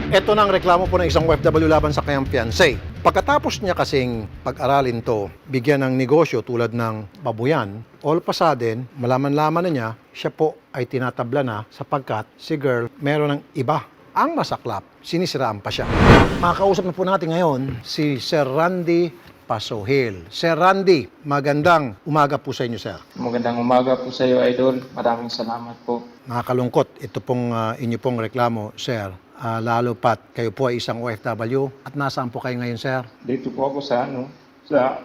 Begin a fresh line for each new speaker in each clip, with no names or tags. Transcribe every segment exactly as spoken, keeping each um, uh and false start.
Ito na ang reklamo po ng isang O F W laban sa kanyang fiancé. Pagkatapos niya kasing pag-aralin to, bigyan ng negosyo tulad ng babuyan, all of a sudden, malaman-laman na niya, siya po ay tinatabla na sapagkat si girl meron ng iba. Ang masaklap, sinisiraan pa siya. Makakausap na po natin ngayon si Sir Randy Pasohil. Sir Randy, magandang umaga po sa inyo, sir.
Magandang umaga po sa iyo, Idol. Maraming salamat po.
Nakakalungkot ito pong uh, inyo pong reklamo, sir. Uh, lalo pat kayo po ay isang O F W at nasaan po kayo ngayon, sir?
Dito po ako sa ano, sa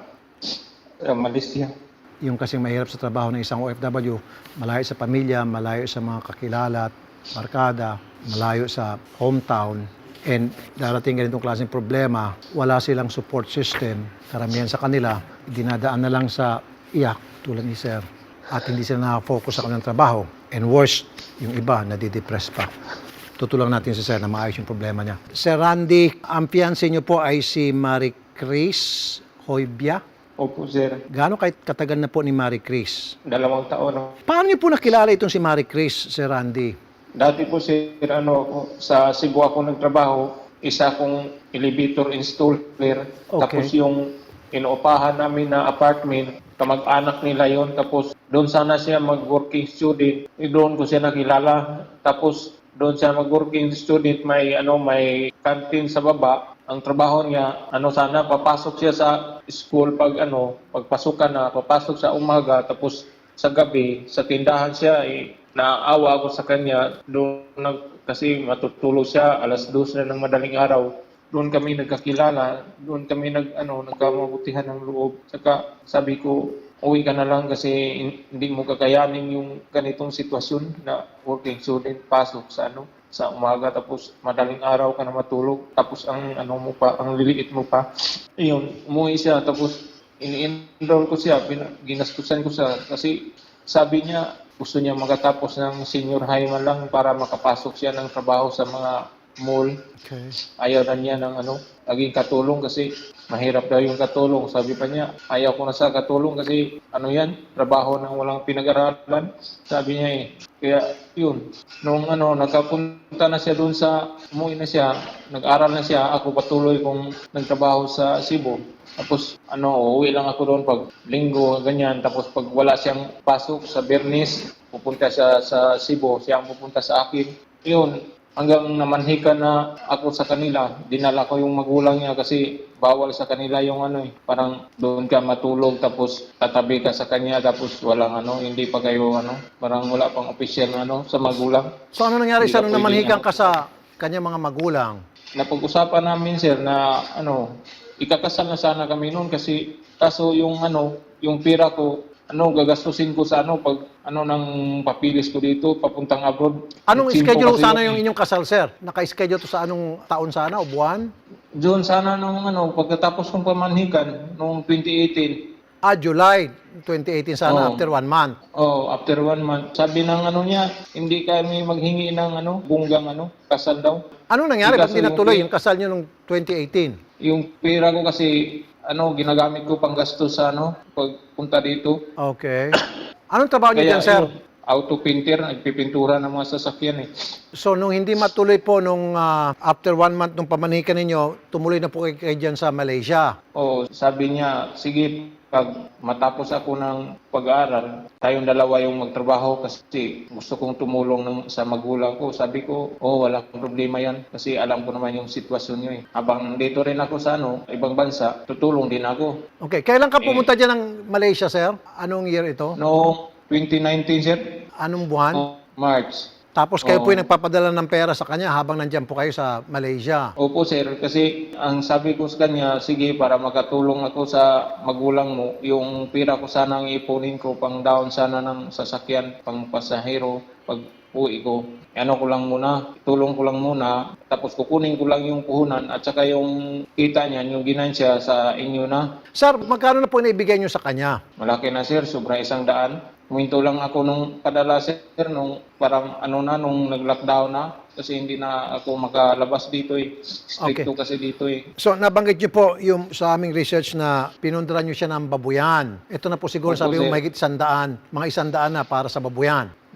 uh, Malaysia.
Yung kasing mahirap sa trabaho ng isang O F W, malayo sa pamilya, malayo sa mga kakilala at barkada, malayo sa hometown, and darating ganitong klaseng problema, wala silang support system. Karamihan sa kanila, dinadaan na lang sa iyak tulad ni sir at hindi sila nakafocus sa kanilang trabaho. And worst, yung iba, nadidepress pa. Tutulungan natin si sir na maayos yung problema niya. Sir Randy, ang fiancé niyo po ay si Marie Chris Hoybia.
Opo, sir.
Gaano kahit katagal na po ni Marie Chris?
Dalawang taon. No?
Paano niyo po nakilala itong si Marie Chris, Sir Randy?
Dati po, sir, ano, ako, sa Cebu ako nagtrabaho. Isa akong elevator installer.
Okay.
Tapos yung inuupahan namin na apartment, kamag-anak nila yon. Tapos doon sana siya mag-working student. E doon ko siya nakilala. Tapos doon siya mag-working student, may ano may canteen sa baba. Ang trabaho niya, ano sana papasok siya sa school pag ano, pagpasukan na, papasok sa umaga, tapos sa gabi sa tindahan siya, eh, naawa ako sa kanya doon nag, kasi matutulog siya alas dos na ng madaling araw. Doon kami nagkakilala, doon kami nag ano nagkamabutihan ng loob. Saka sabi ko, uwi ka na lang kasi hindi mo kakayanin yung ganitong sitwasyon na working student pasok sa ano sa umaga tapos madaling araw ka na matulog tapos ang ano mo pa ang liliit mo pa. Ayun, umuwi siya tapos ini-enroll ko siya, ginastusan ko siya kasi sabi niya gusto niya makatapos ng senior high man lang para makapasok siya ng trabaho sa mga mall.
Okay.
Ayaw na niya ng ano, naging katulong kasi mahirap daw yung katulong. Sabi pa niya, ayaw ko na sa katulong kasi ano yan, trabaho ng walang pinag-aralan. Sabi niya eh. Kaya yun, nung ano, nakapunta na siya doon sa, umuwi na siya, nag-aral na siya, ako patuloy kong nagtrabaho sa Cebu. Tapos ano, uwi lang ako doon pag linggo, ganyan. Tapos pag wala siyang pasok sa Bernis, pupunta siya sa Cebu, siya ang pupunta sa akin. Yun, hanggang namanhikan na ako sa kanila, dinala ko yung magulang niya kasi bawal sa kanila yung ano eh, parang doon ka matulog tapos tatabi ka sa kanya tapos walang ano, hindi pa kayo ano, parang wala pang official na ano sa magulang.
So ano nangyari
Hindi
sa
ka
nung
pwedeng,
namanhikan
ano,
ka sa kanyang mga magulang?
Napag-usapan namin sir na ano, ikakasal na sana kami noon kasi kaso yung ano, yung pira ko ano gagastusin ko sa ano pag ano ng papilis ko dito papuntang abroad.
Anong
Simpo
schedule
kasi
sana
yun
yung
eh.
inyong kasal, sir? Naka-schedule to sa anong taon sana o buwan?
Doon sana nung ano pagkatapos kong pamanhikan noong twenty eighteen.
Ah, July twenty eighteen sana,
Oo.
after one month.
Oh, after one month. Sabi ng ano niya, hindi kami maghingi ng ano, bunggang ano, kasal daw.
Anong nangyari? Ba't
Kaso
hindi
yung
natuloy
pi-
yung kasal nyo noong twenty eighteen?
Yung pera ko kasi, ano, ginagamit ko pang gastos sa ano, pagpunta dito.
Okay. Anong trabaho nyo
Kaya
dyan, sir?
yun, auto painter, nagpipintura ng mga sasakyan eh.
So, nung hindi matuloy po nung ah, after one month nung pamanikan ninyo, tumuloy na po kayo, kayo dyan sa Malaysia.
Oh, sabi niya, sige, pag matapos ako ng pag-aaral, tayong dalawa yung magtrabaho kasi gusto kong tumulong ng, sa magulang ko. Sabi ko, oh, wala akong problema yan kasi alam ko naman yung sitwasyon niyo eh. Habang nandito rin ako sa ano, ibang bansa, tutulong din ako.
Okay. Kailan ka pumunta dyan ng Malaysia, sir? Anong year ito?
Noong twenty nineteen, sir,
Anong buwan?
oh, March.
Tapos kayo
Oo.
po yung nagpapadala ng pera sa kanya habang nandyan po kayo sa Malaysia.
Opo, sir, kasi ang sabi ko sa kanya, sige, para makatulong ako sa magulang mo, yung pira ko sana ang ipunin ko pang down sana ng sasakyan, pang pasahero, pag uwi ko. Ano ko lang muna, tulong ko lang muna, tapos kukunin ko lang yung puhunan at saka yung kita niyan, yung ginansya sa inyo na.
Sir, magkano na po naibigay nyo sa kanya?
Malaki na, sir, sobra isang daan. Huminto lang ako nung padala, sir, nung parang ano na, nung nag-lockdown na. Kasi hindi na ako makalabas dito eh. Stricto kasi dito eh.
So, nabanggit nyo po yung sa aming research na pinundaran nyo siya ng babuyan. Ito na po siguro
Opo,
sabi mo
sir.
mahigit isandaan, mga isandaan na para sa babuyan.
Oo.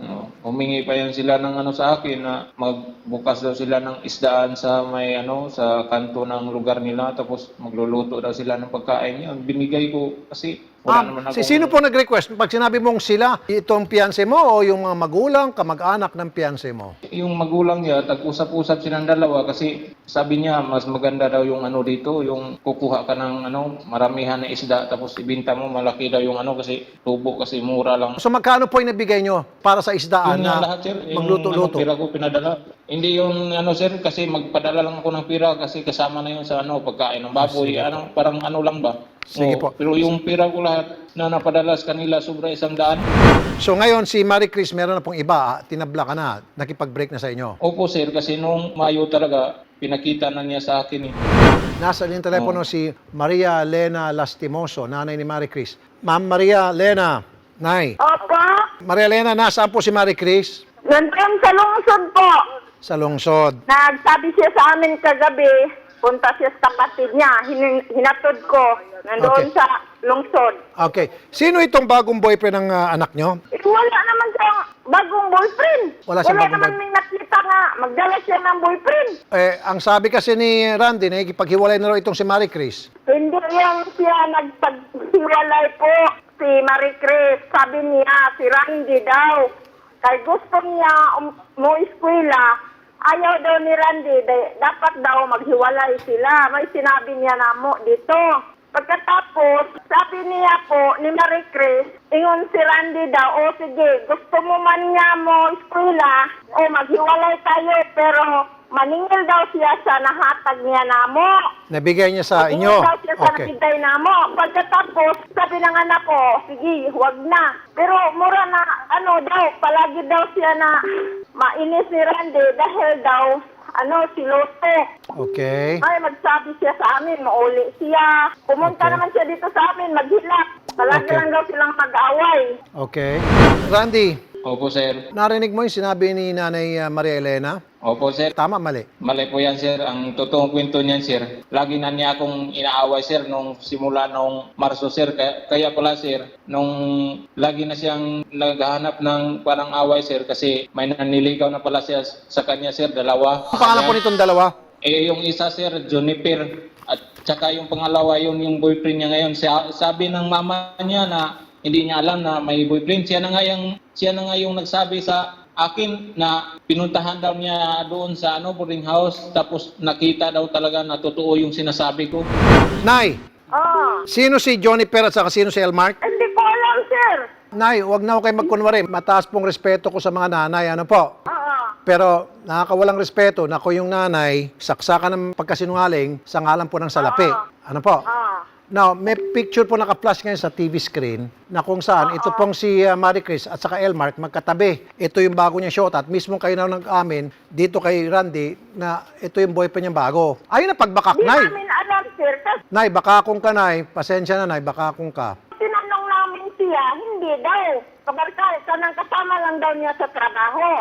humingi pa yan sila ng ano sa akin na magbukas daw sila ng isdaan sa may ano sa kanto ng lugar nila tapos magluluto daw sila ng pagkain. Yun, binigay ko kasi wala
Ma'am,
naman
si
ako.
sino po nag-request? Pag sinabi mong sila, itong fiancé mo o yung mga magulang, kamag-anak ng fiancé mo?
Yung magulang niya, tag-usap-usap silang dalawa kasi sabi niya mas maganda daw yung ano dito, yung kukuha ka ng ano, maramihan na isda tapos ibinta mo malaki daw yung ano kasi tubo kasi mura lang.
So magkano po yung nabigay nyo para sa isdaan
Yun nga
na
lahat sir, yung
magluto-luto?
ano, pira ko pinadala. Hindi yung ano sir kasi magpadala lang ako ng pira kasi kasama na yun sa ano pagkain ng baboy, ano parang ano lang ba?
Sige
Oo,
po.
Pero yung pira ko lahat na napadala sa kanila sobra isang daan.
So ngayon, si Marie Chris, meron na pong iba, ah, tinabla ka na, nakipag-break na sa inyo.
Opo sir kasi nung Mayo talaga pinakita na niya sa akin eh.
Nasa linyang telepono si Maria Lena Lastimoso, nanay ni Marie Chris. Ma'am Maria Lena, nay.
Opo,
Maria Lena, nasaan po si Marie Chris?
nandun sa lungsod po.
Sa lungsod.
Nagsabi siya sa amin kagabi, punta siya sa kapatid niya, Hin- hinatod ko, nandoon
Okay.
sa lungsod.
Okay. Sino itong bagong boyfriend ng ah, anak nyo?
Eh, wala naman siyang bagong boyfriend.
Wala siyang bagong
naman
boy-
may nakita nga, magdala siya ng boyfriend.
Eh, ang sabi kasi ni Randy, nakikipaghiwalay na raw itong si Marie Chris.
Hindi yan siya nagpaghiwalay po si Marie Chris. Sabi niya, si Randy daw. Kaya gusto niya um, mo eskwela, ayaw daw ni Randy, da- dapat daw maghiwalay sila. May sinabi niya na mo dito. Pagkatapos, sabi niya po ni Marie Chris, ingon si Randy daw, o sige, gusto mo man niya mo eskwela, o maghiwalay tayo, pero maningil daw siya sa nahatag niya na mo.
Nabigay niya sa
Maningil
inyo.
daw siya sa
Okay.
nabigay na mo. Pagkatapos, sabi ng anak ko, sige, huwag na. Pero mura na, ano daw, palagi daw siya na mainis ni Randy dahil daw, ano, si Loto.
Okay.
Ay, magsabi siya sa amin, mauli siya. Pumunta
Okay.
naman siya dito sa amin, maghilak. Palagi
Okay.
lang daw silang mag-away.
Okay. Randy,
Opo sir.
narinig mo yung sinabi ni Nanay ah, Maria Elena?
Opo sir.
Tama, mali.
Mali po yan sir. Ang totoong kwento niyan sir. Lagi na niya akong inaaway sir nung simula nung Marso sir. Kaya, kaya pala sir, nung lagi na siyang naghahanap ng parang away sir kasi may naniligaw na pala siya sa kanya sir, dalawa.
Ang pangalan po nitong dalawa?
Eh yung isa sir, Juniper. At saka yung pangalawa yun yung boyfriend niya ngayon. Sa- Sabi ng mama niya na hindi niya alam na may boyfriend. Siya na nga yung, siya na nga yung nagsabi sa akin na pinuntahan daw niya doon sa ano boarding house tapos nakita daw talaga na totoo yung sinasabi ko.
Nay,
Oh,
sino si Johnny Per at saka sino si Elmark?
hindi ko alam, sir.
Nay, wag na ako kayo magkunwari. Mataas pong respeto ko sa mga nanay. Ano po?
Oo.
Pero nakakawalang respeto na ako yung nanay, saksakan ng pagkasinungaling sa ngalan po ng salapi. Ano po?
Oo.
Now, may picture po naka-flash ngayon sa T V screen na kung saan ito pong si uh, Marie Chris at saka Elmark magkatabi. Ito yung bago niya shot at mismo kayo na nag-amin dito kay Randy na ito yung boyfriend niya bago. Ayun na pagbakak,
Di
Nay.
namin alam, sir. Kasi
Nay, baka kung ka, Nay. Pasensya na, Nay. Baka kung ka.
tinanong namin siya, hindi daw. Kabarkal, kanang kasama lang daw niya sa trabaho.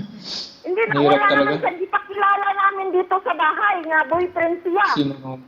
Hindi na,
Hirap
wala
talaga.
naman siya. Di pa kilala namin dito sa bahay nga boyfriend siya.
Sino?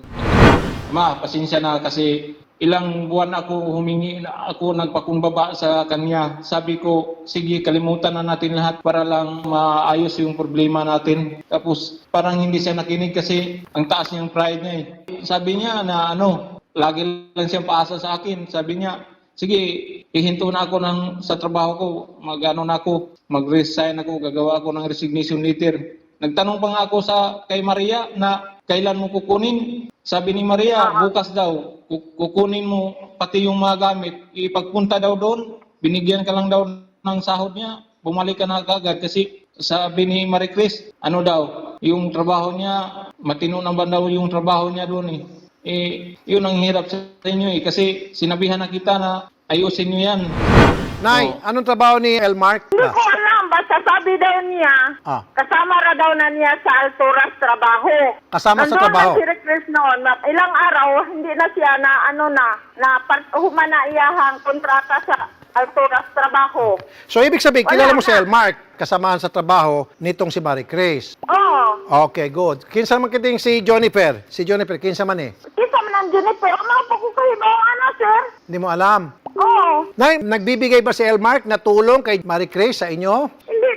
Ma, pasensya na kasi ilang buwan ako humingi, ako nagpakumbaba sa kanya. Sabi ko, sige, kalimutan na natin lahat para lang maayos yung problema natin. Tapos parang hindi siya nakinig kasi ang taas niyang pride niya eh. Sabi niya na ano, lagi lang siyang paasa sa akin. Sabi niya, sige, ihinto na ako ng, sa trabaho ko, mag-ano na ako, mag-resign ako, gagawa ako ng resignation letter. Nagtanong pa nga ako sa kay Maria na kailan mo kukunin. Sabi ni Maria, bukas daw, ku- kukunin mo pati yung mga gamit. Ipagpunta daw doon, binigyan ka lang daw ng sahod niya, bumalik ka na kagad. Kasi sabi ni Marie Chris, ano daw, yung trabaho niya, matino naman daw yung trabaho niya doon eh. Eh, yun ang hirap sa inyo eh. Kasi sinabihan na kita na ayusin niyo yan.
Nay,
Oo.
anong trabaho ni Elmark?
Hindi ko alam. Basta sabi daw niya,
Ah.
kasama ra daw na niya sa Alturas trabaho.
Kasama sa
Nandun
trabaho?
na si Rick Chris noon. na Ilang araw, hindi na siya na ano na, na part, humana iyahang kontrata sa Alturas trabaho.
So, ibig sabihin,
Wala
kilala mo si
na.
Elmark, kasamaan sa trabaho nitong si Marie Chris.
Oo.
Okay, good. Kinsa man kiting si Jonifer? Si Jonifer, kinsa man eh?
Kita man ang Juniper. Ano po ko kayo ba, ano, sir?
Hindi mo alam.
Oo.
Nay, nagbibigay ba si Elmark na tulong kay Marie Chris sa inyo?
Hindi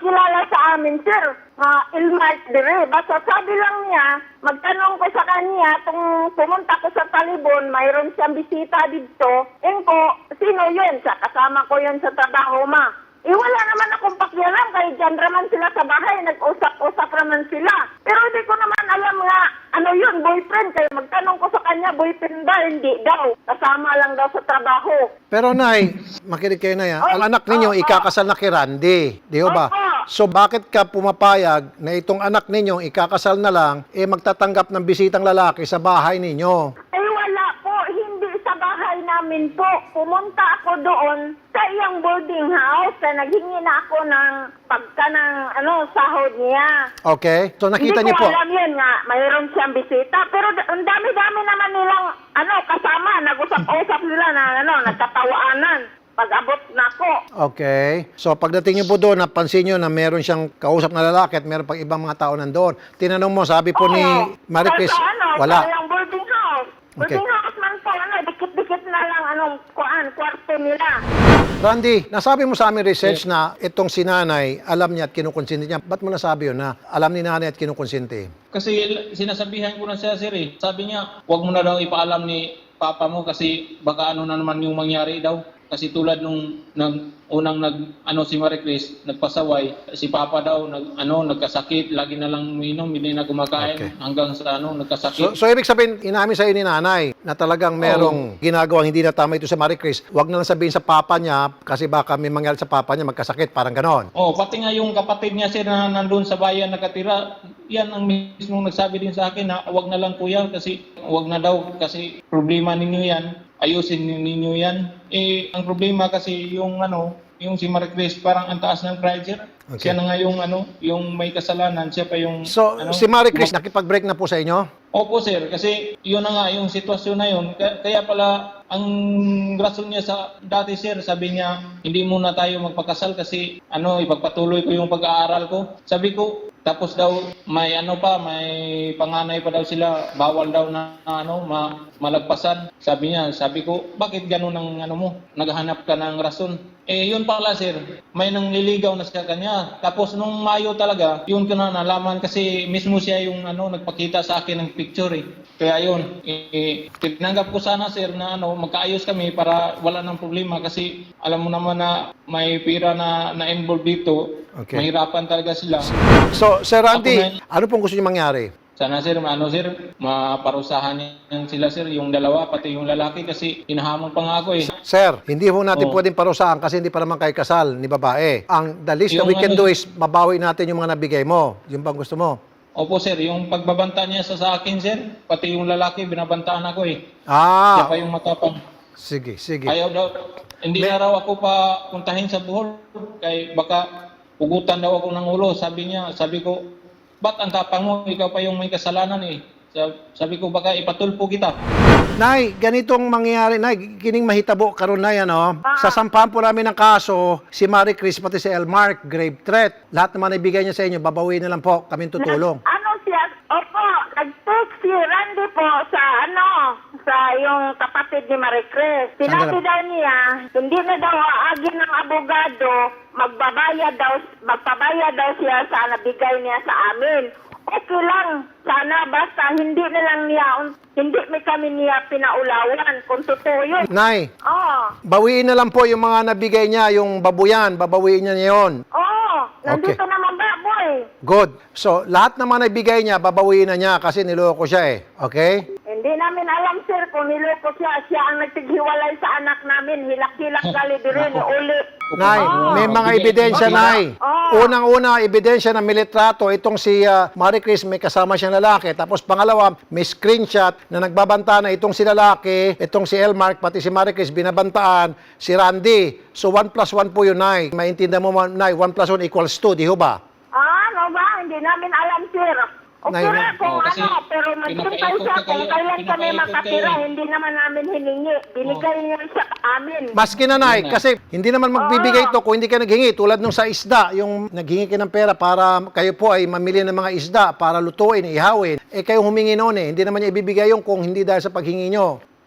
nagkilala sa amin, sir. Uh, Ilmark dire. Basta sabi lang niya, magtanong ko sa kanya, tung pumunta ko sa Talibon, mayroon siyang bisita dito. Engko, sino yun? Sa kasama ko yun sa trabaho, ma. Eh, wala naman akong pakialam, kaya dyan naman sila sa bahay, nag-usap-usap naman sila. Pero hindi ko naman alam nga, ano yun, boyfriend, kaya magtanong ko sa kanya, boyfriend ba? Hindi daw. Kasama lang daw sa trabaho.
Pero Nay, makinig kayo na yan.
Oy,
Ang anak ninyo,
oo.
ikakasal na kay Randy. Di ho ba?
Opo.
So bakit ka pumapayag na itong anak ninyo, ikakasal na lang, eh magtatanggap ng bisitang lalaki sa bahay ninyo?
Eh, wala po. Hindi sa bahay namin po. Pumunta ako doon sa iyang boarding house na naghingi na ako ng pagka ng ano, sahod niya.
Okay? So nakita
Hindi
niyo
ko
po.
alam yun nga, mayroon siyang bisita. Pero da- ang dami-dami naman nilang ano, kasama. Nag-usap-usap nila na ano, nagkatawaanan. Pag-abot na ako.
Okay. So pagdating niyo po doon, napansin niyo na meron siyang kausap na lalaki at meron pang ibang mga tao nandoon. Tinanong mo, sabi po ni
Oo.
Marie Chris,
Sa ano,
wala.
Sa iyang boarding house.
Okay.
Boarding house man po, ano, dikit-dikit na lang anong kuan, kwarto nila.
Randy, nasabi mo sa amin research na itong si nanay, alam niya at kinukonsinti niya. Ba't mo nasabi yun na alam ni nanay at kinukonsinti?
Kasi sinasabihan ko na siya, sir eh. Sabi niya, huwag mo na daw ipaalam ni papa mo kasi baka ano na naman yung mangyari daw. Kasi tulad nung nag, unang nag, ano si Marie Chris, nagpasaway, si papa daw nag, ano, nagkasakit, lagi na lang uminom, hindi na kumakain
Okay.
hanggang sa ano,
So,
nagkasakit.
so ibig sabihin, inamin sa'yo ni nanay na talagang merong ginagawang hindi na tama ito sa Marie Chris. Huwag na lang sabihin sa papa niya kasi baka may mangyari sa papa niya, magkasakit, parang ganon.
Oh, pati nga yung kapatid niya sir na nandun sa bayan nakatira, yan ang mismong nagsabi din sa akin na wag na lang kuya kasi wag na daw kasi problema ninyo yan. Ayusin ninyo yan. Eh, ang problema kasi yung ano, yung si Marie Chris parang ang taas ng pride sir.
Okay.
Siya na nga yung ano, yung may kasalanan, siya pa yung
So,
ano,
si Marie Chris, nakipag-break na po sa inyo?
Opo sir, kasi yun na nga yung sitwasyon na yun. Kaya, kaya pala ang rason niya sa dati sir, sabi niya hindi muna tayo magpakasal kasi ano ipagpatuloy ko yung pag-aaral ko. Sabi ko tapos daw may ano pa, may panganay pa daw sila, bawal daw na ano ma, malagpasan. Sabi niya, sabi ko, bakit ganun ang ano mo? Naghahanap ka ng rason. Eh yun pala sir, may nangliligaw na sa kanya. Tapos nung Mayo talaga, yun ko na nalaman kasi mismo siya yung ano nagpakita sa akin ng picture eh. Kaya yun, eh, tinanggap ko sana sir na ano magkaayos kami para wala nang problema kasi alam mo naman na may pira na na-involve dito.
Okay.
Mahirapan talaga sila.
So, Sir Randy,
Ako na-
ano pong gusto niyo mangyari?
Sana sir, ano sir, maparusahan niyan sila sir, yung dalawa, pati yung lalaki kasi hinahamon pa nga ako eh.
Sir, hindi ho natin
Oo.
pwedeng parusahan kasi hindi pa naman kayo kasal ni babae. Ang the least that
Yung
we can do
ano-
is mabawi natin yung mga nabigay mo. Yung bang gusto mo?
Opo sir, yung pagbabanta niya sa, sa akin sir, pati yung lalaki, binabantaan ako eh.
Ah,
Siya pa yung matapang.
sige, sige.
Ayaw daw, hindi
May-
na raw ako pa puntahin sa Bohol, kay baka ugutan daw ako ng ulo. Sabi niya, sabi ko, ba't ang tapang mo? Ikaw pa yung may kasalanan eh. Sa- Sabi ko, baka ipatulpo kita.
Nay, ganitong mangyayari, Nay, kining mahitabo karon na yan, oh.
Ah.
Sasampahan po namin ng kaso, si Marie Chris, pati si Elmark, grave threat. Lahat naman ibigay niya sa inyo, babawiin na lang po, kaming tutulong.
Nag- ano siya, opo, nag-text si Randy po sa ano, sa yung kapatid ni Marie Chris. Sinabi
Sandali.
daw niya, hindi na daw aagin ng abogado, magbabayad daw, magpabayad daw siya sa nabigay niya sa amin. Okay lang, sana basta hindi na lang niya, hindi may kami niya pinaulawan kung totoo yun.
Nay,
Oo,
bawiin na lang po yung mga nabigay niya, yung babuyan, babawiin niya yun.
oo, nandito
Okay.
naman ba, boy?
Good. So, lahat naman na ibigay niya, babawiin na niya kasi niloko siya eh. Okay?
Hindi namin alam, sir, kung niloko siya. Siya ang nagtighiwalay sa anak namin. Hilak-hilak gali din ni Uli.
Nay,
Oo.
may mga ebidensya, Nay.
Oo.
Unang-una, ebidensya na militrato, itong si uh, Marie Chris, may kasama siyang lalaki. Tapos pangalawa, may screenshot na nagbabanta na itong si lalaki, itong si Elmark, pati si Marie Chris, binabantaan si Randy. So, one plus one po yun, Nay. Maintindihan mo, Nay, one plus one equals two, di ho ba?
Ah, ano ba? Hindi namin alam, sir. Okay
Nay,
na kung
Oo, kasi
ano, pero maghintay
pinapaikot
siya
ka
kung
kayo,
kailan kami
pinapaikot
makatira.
kayo.
Hindi naman namin hiningi. Binigay niya siya amin.
Maski na, Nay,
Yun na.
kasi hindi naman magbibigay ito kung hindi ka naghingi. Tulad nung sa isda, yung naghingi ka ng pera para kayo po ay mamili ng mga isda para lutuin, ihawin. Eh, kayo humingi noon eh. Hindi naman niya ibibigay yung kung hindi dahil sa paghingi nyo.
Ah,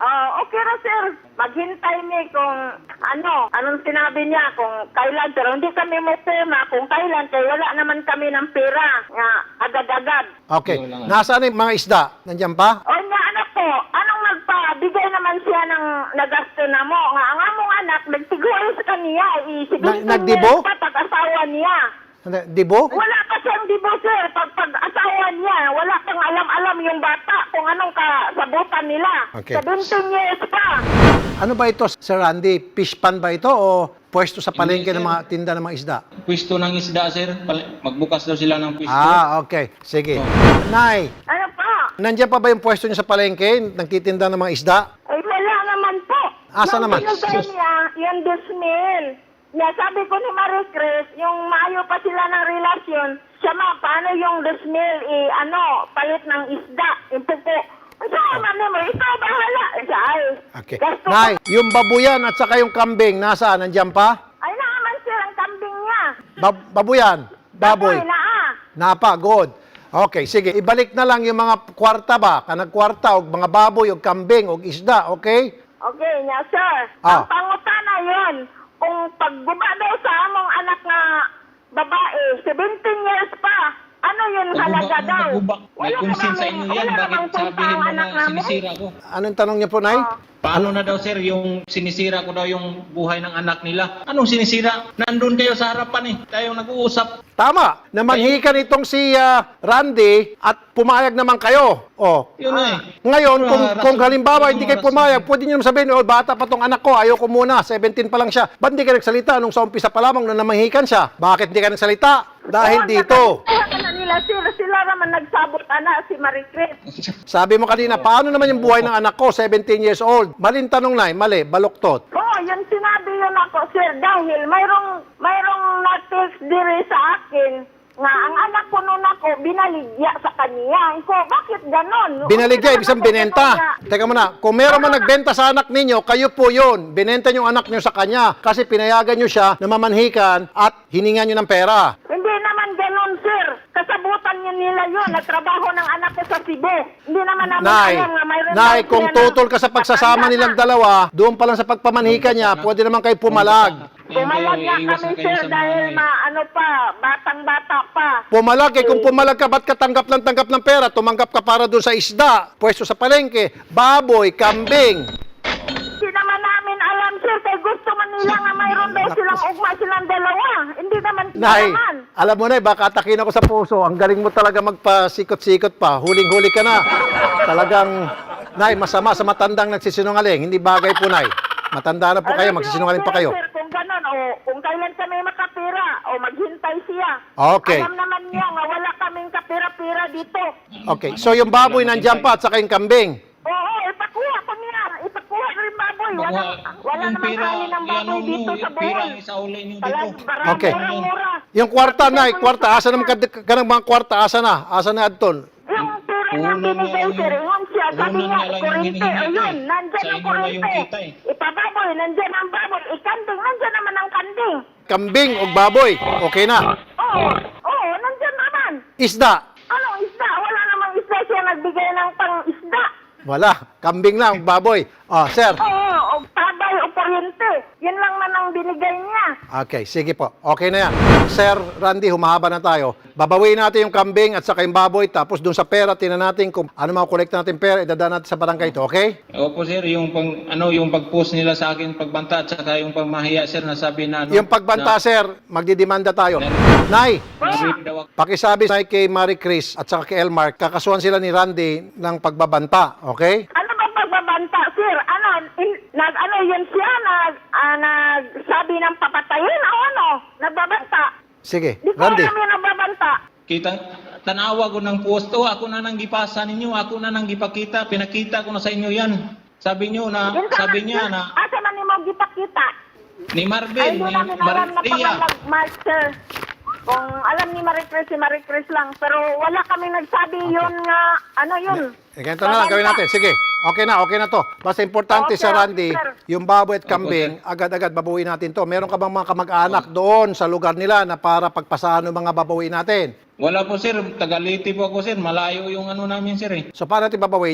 okay na, sir. Maghintay mi kung ano, anong sinabi niya, kung kailan, pero hindi kami mo pema kung kailan, kaya wala naman kami ng pera nga agad-agad.
Okay.
Yun lang.
Nasaan yung mga isda? Nandiyan pa?
O nga, anak ko, anong nagpabigay naman siya ng nagasto na mo? Nga, ang among anak, nagtiguan sa kaniya, i-seventeen
Na- nagdibo?
years pa pag-asawa niya.
Hindi, Dibo?
Wala pa siyang dibo, sir. Pag pag-asawa niya, wala pang alam-alam yung bata kung anong kasabutan nila.
Okay.
seventeen years pa.
Ano ba ito, Sir Randy? Fish pan ba ito o pwesto sa palengke
Hindi,
ng
sir.
mga tinda ng mga isda?
Pwesto ng isda, sir. Pal- Magbukas daw sila ng pwesto.
Ah, okay. Sige. Nay,
Ano pa?
nandiyan pa ba yung pwesto niyo sa palengke? Nagtitinda ng mga isda?
Ay, wala naman po.
Asa
Nung
naman?
binigay niya, yung dusmil. Na sabi ko ni Marie Chris, yung maayo pa sila ng relasyon, siya ma, paano yung dusmil, eh, ano, palit ng isda, yung pupo. Sa naman mo, ikaw bahala. Siya, ay,
Okay.
gasto ko.
Nay, yung babuyan at saka yung kambing, nasaan? Nandiyan pa?
Ay, naman sir, ang kambing niya.
Bab- babuyan? Baboy?
na ah.
Napa, good. Okay, sige. Ibalik na lang yung mga kwarta ba? Kanag kwarta, o mga baboy, o kambing, o isda, okay?
Okay, niya, sir.
Ah.
Ang pangutana yun, kung pagguba daw sa among anak na babae, seventeen years pa, ano yun halaga daw?
Magubak. May
Wala
konsin
namang-
sa inyo yan.
wala
Bakit
namang punta
sabihin
ang
mo
anak
na
namin?
sinisira ko?
Anong tanong niyo po, Nay?
Ah.
Paano na daw, sir, yung sinisira ko daw yung buhay ng anak nila? Anong sinisira? Nandun kayo sa harapan eh. Tayo nag-uusap.
Tama. Namanhikan itong si ah, Randy at pumayag naman kayo. Oh.
Yun na eh.
Ngayon, kung,
Ah,
kung
rason-
halimbawa hindi kayo
rason-
pumayag, pwede nyo naman sabihin, oh, bata pa tong anak ko, ayaw ko muna, seventeen pa lang siya. Ba't hindi ka nagsalita nung sa umpisa pa lamang na namanhikan siya? Bakit hindi ka nagsalita? Dahil
Oo,
dito.
nakakita na nila, sir. Sila naman nagsabot, ana, si Marie Chris.
Sabi mo kanina, paano naman yung buhay ng anak ko, seventeen years old? Maling tanong na, mali, baluktot.
Oo, yun sinabi yun ako, sir, dahil mayroong, mayroong na-text diri sa akin nga ang anak ko nun ako, binaligya sa kanya. Ko, bakit ganon?
Binaligya,
Okay
ibig sabihin
naman
binenta.
ako nga.
Teka muna, kung meron man nagbenta sa anak ninyo, kayo po yun. Binenta nyo yung anak nyo sa kanya kasi pinayagan nyo siya na mamanhikan at hiningan nyo ng pera.
Hindi naman ganon, sir. Kasabutan niya nila yun. Nagtrabaho ng anak ko sa Cebu. Hindi naman namin
Nay,
alam nga mayroon
Nay,
daw
kung
sila na-
tutol ka sa pagsasama
Matanda
nilang
na.
dalawa, doon pa lang sa pagpamanhikan niya, pwede naman kayo pumalag.
Pumalag nga
Iwas
kami,
na kayo
sir,
sa mga
dahil
ano eh.
ma, ano pa, batang-bata pa.
Pumalag eh, kung pumalag ka, ba't ka tanggap ng tanggap ng pera? Tumanggap ka para doon sa isda, pwesto sa palengke, baboy, kambing.
Hindi naman namin alam, sir, kaya gusto man nila nga mayroon daw silang ugma silang dalawa. Hindi naman sila
Nay,
naman.
alam mo na, baka atakin ako sa puso. Ang galing mo talaga magpasikot-sikot pa. Huling-huli ka na. Talagang, Nay, masama sa matandang nagsisinungaling. Hindi bagay po, Nay. Matanda na po kayo,
Alam niyo,
magsisinungaling pa
sir,
kayo.
Sir, kung gano'n, o kung kailan kami makapira, o maghintay siya.
Okay.
Alam naman niya nga wala kaming kapira-pira dito.
Okay, so yung baboy nandiyan pa at saka yung kambing.
Oo, ipakuha ko niya. Ipakuha rin baboy. Wala, wala
Yung
namang
pera,
kain ng
yan
baboy
ang
dito
yung
sa
pera
buhol.
ang isauli nyo dito.
Talag, barang,
Okay.
mura-mura.
Yung kwarta, Nay, kwarta. Asa naman ka, ka ng mga kwarta? Asa na? Asa na, Adton?
Yung pera niya
Unan nga
binigay,
lang
sir,
yung-
yun siya. Sabi
unan
niya,
nga lang yung
kurente,
hinihingi ko
ayun,
eh.
nandyan
Sa
ang
inyo na yung
kurente.
kita eh.
Ipababoy, nandyan ang baboy. Ikanding, nandyan naman ang kanding.
Kambing o baboy? Okay na.
Oo, oo, nandyan naman.
Isda?
Anong isda? Wala namang isda siya nagbigay ng pang-isda.
Wala. Kambing lang, baboy. Oh, sir.
Oo, o tabay o kuryente. Yun lang man ang binigay niya.
Okay, sige po. Okay na yan. Sir Randy, humahaba na tayo. Babawiin natin yung kambing at saka yung baboy. Tapos dun sa pera, tinan natin kung ano makukolekta natin pera, idadaan natin sa barangay ito, okay?
Opo, sir, yung pang ano yung pag-post nila sa akin pagbanta at saka yung pagmahiya, sir, nasabi na ano.
Yung pagbanta, sir, magdidemanda tayo. Nay,
Na, na-rape daw ako.
pakisabi sa kay Marie Chris at saka kay Elmar, kakasuhan sila ni Randy ng pagbabanta, okay?
Ano ba pagbabanta, sir? Ano, in, nag, ano yun siya? Nag, ah, nagsabi ng papatayin o ano? Nagbabanta.
Sige,
Di ko
Randy.
alam yung nagbabanta.
Kita tanawa ko ng post, oh, ako na nang gipasa ninyo, ako na nang gipakita, pinakita ko na sa inyo yan. Sabi niyo na,
Yun ka
sabi
man,
niya
yun,
na
asa man ni mo gipakita?
ni
Ay,
Marvin,
hindi
ni
namin alam na
Maria.
pag sir. Kung alam ni Marie Chris, si Marie Chris lang. Pero wala kaming nagsabi yun nga, ano yun?
Eh, ganito na lang, gawin natin. Sige, okay na, okay na to. Basta importante
Okay,
sa Randy,
sir.
yung baboy at kambing, agad-agad babawiin natin to. Meron ka bang mga kamag-anak doon sa lugar nila na para pagpasahan ng mga babawiin natin?
Wala po, sir, Tagaliti po ako, sir, malayo yung ano namin, sir eh.
So, paano natin babawiin yon?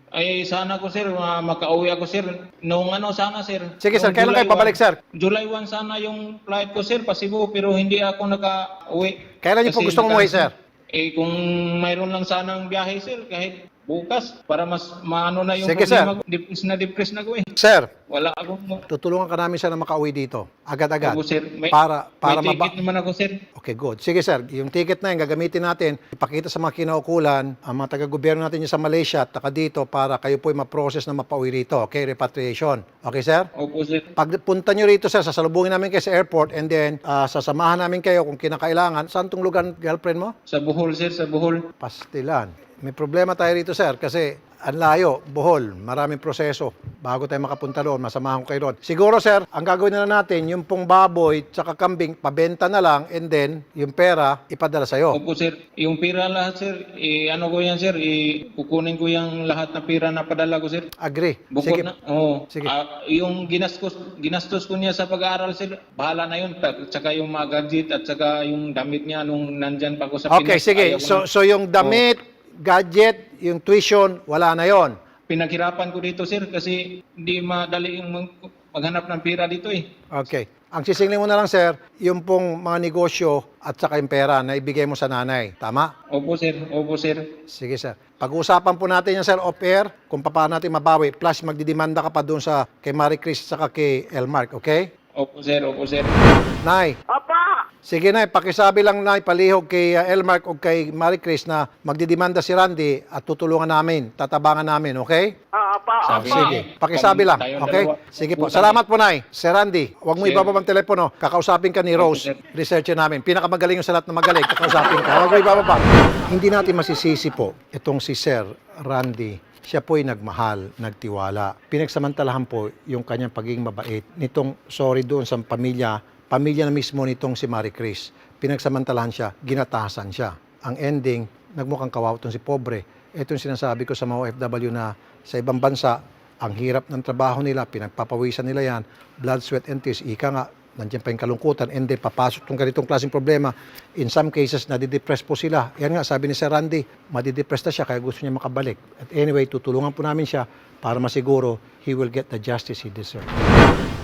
Ay, sana ko, sir, ma- makauwi ako, sir. Noong ano, sana, sir.
Sige, sir.
Noong
Kailan
July
kayo pabalik,
one.
sir?
July first sana yung flight ko, sir, pa Cebu, pero hindi ako naka-uwi.
Kailan niyo po
Kasi
gustong umuwi, sir?
Eh, kung mayroon lang sanang biyahe, sir, kahit bukas, para mas maano na yung
Sige, sir.
problema ko. Depress na depress na ko, eh.
Sir,
Wala akong...
tutulungan ka namin siya na makauwi dito. Agad-agad.
Opo, sir. May,
Para, para
may
maba-
ticket naman ako, sir.
Okay, good. Sige, sir. Yung ticket na yun, gagamitin natin. Ipakita sa mga kinaukulan, ang mga taga-gobyerno natin yung sa Malaysia at taka dito para kayo po'y ma-process na mapauwi rito. Okay, repatriation. Okay, sir?
Opo, sir.
Pagpunta nyo rito, sir, sasalubungin namin kayo sa airport and then ah, sasamahan namin kayo kung kinakailangan. Saan tong lugar, girlfriend mo?
Sa Bohol, sir, sa Bohol.
Pastilan. May problema tayo rito, sir, kasi ang layo, Bohol, maraming proseso. Bago tayo makapunta doon, masamahan ko kayo doon. Siguro, sir, ang gagawin na lang natin, yung pong baboy tsaka kambing, pabenta na lang and then yung pera, ipadala sa'yo.
Opo, sir. Yung pira lahat, sir, eh, ano ko yan, sir, eh, kukunin ko yung lahat na pira na padala ko, sir.
Agree.
Bukod
Sige.
na, oo.
Sige.
Ah, yung ginastos, ginastos ko niya sa pag-aaral, sir, bahala na yun. Ta- Tsaka yung mga gadget at tsaka yung damit niya nung nandyan pa ako sa
Okay,
Pinas.
sige.
Ayaw ko
So,
na-
so yung damit, gadget, yung tuition, wala na yon.
Pinaghirapan ko dito, sir, kasi hindi madali yung mag- maghanap ng pira dito, eh.
Okay. Ang sisingling mo na lang, sir, yung pong mga negosyo at saka yung pera na ibigay mo sa nanay. Tama?
Opo, sir. Opo, sir.
Sige, sir. Pag-uusapan po natin yan, sir, off-air, kung paano natin mabawi. Plus, magdidemanda ka pa doon sa kay Marie Chris at saka kay Elmark, okay?
Opo, sir. Opo, sir.
Nay,
Opo.
sige, Nay, pakisabi lang, Nay, palihog kay uh, Elmark o kay Marie Chris na magdidemanda si Randy at tutulungan namin, tatabangan namin, okay?
Opo,
Sabi
opo.
Sige, pakisabi lang,
Tayong
okay?
dalawa.
Sige po.
Utang.
Salamat po, Nay. Sir Randy, huwag mo
Sir.
ibaba ang telepono. Kakausapin ka ni Rose,
sir.
researcher namin. Pinakamagaling yung sa lahat na magaling. Kakausapin ka. Huwag mo ibaba. Hindi natin masisisi po itong si Sir Randy. Siya po'y nagmahal, nagtiwala. Pinagsamantalahan po yung kanyang pagiging mabait. Nitong, sorry doon sa pamilya, pamilya na mismo nitong si Marie Chris. Pinagsamantalahan siya, ginatasan siya. Ang ending, nagmukhang kawawa itong si pobre. Ito yung sinasabi ko sa mga O F W na sa ibang bansa, ang hirap ng trabaho nila, pinagpapawisan nila yan, blood, sweat, and tears. Ika nga, nandiyan pa yung kalungkutan, and then papasok itong ganitong klaseng problema. In some cases, nadidepress po sila. Yan nga, sabi ni Sir Randy, madidepress na siya, kaya gusto niya makabalik. At anyway, tutulungan po namin siya para masiguro he will get the justice he deserves.